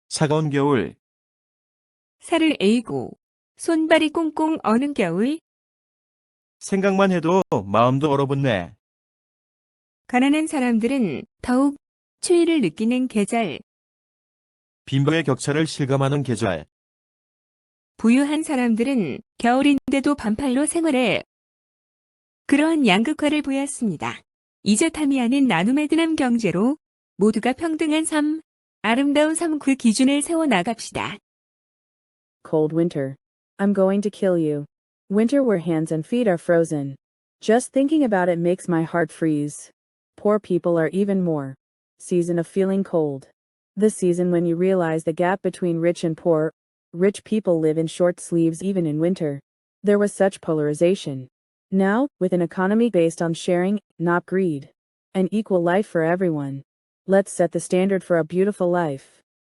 차가운 겨울, 살을 에이고 손발이 꽁꽁 어는 겨울, 생각만 해도 마음도 얼어붙네. 가난한 사람들은 더욱 추위를 느끼는 계절, 빈부의 격차를 실감하는 계절, 부유한 사람들은 겨울인데도 반팔로 생활해. 그러한 양극화를 보였습니다. 이제 타미야는 나눔의 드남 경제로 모두가 평등한 삶, 아름다운 삶 그 기준을 세워 나갑시다. Cold winter. I'm going to kill you. Winter where hands and feet are frozen. Just thinking about it makes my heart freeze. Poor people are even more. Season of feeling cold. The season when you realize the gap between rich and poor. Rich people live in short sleeves even in winter. There was such polarization. Now, with an economy based on sharing, not greed. An equal life for everyone. Let's set the standard for a beautiful life.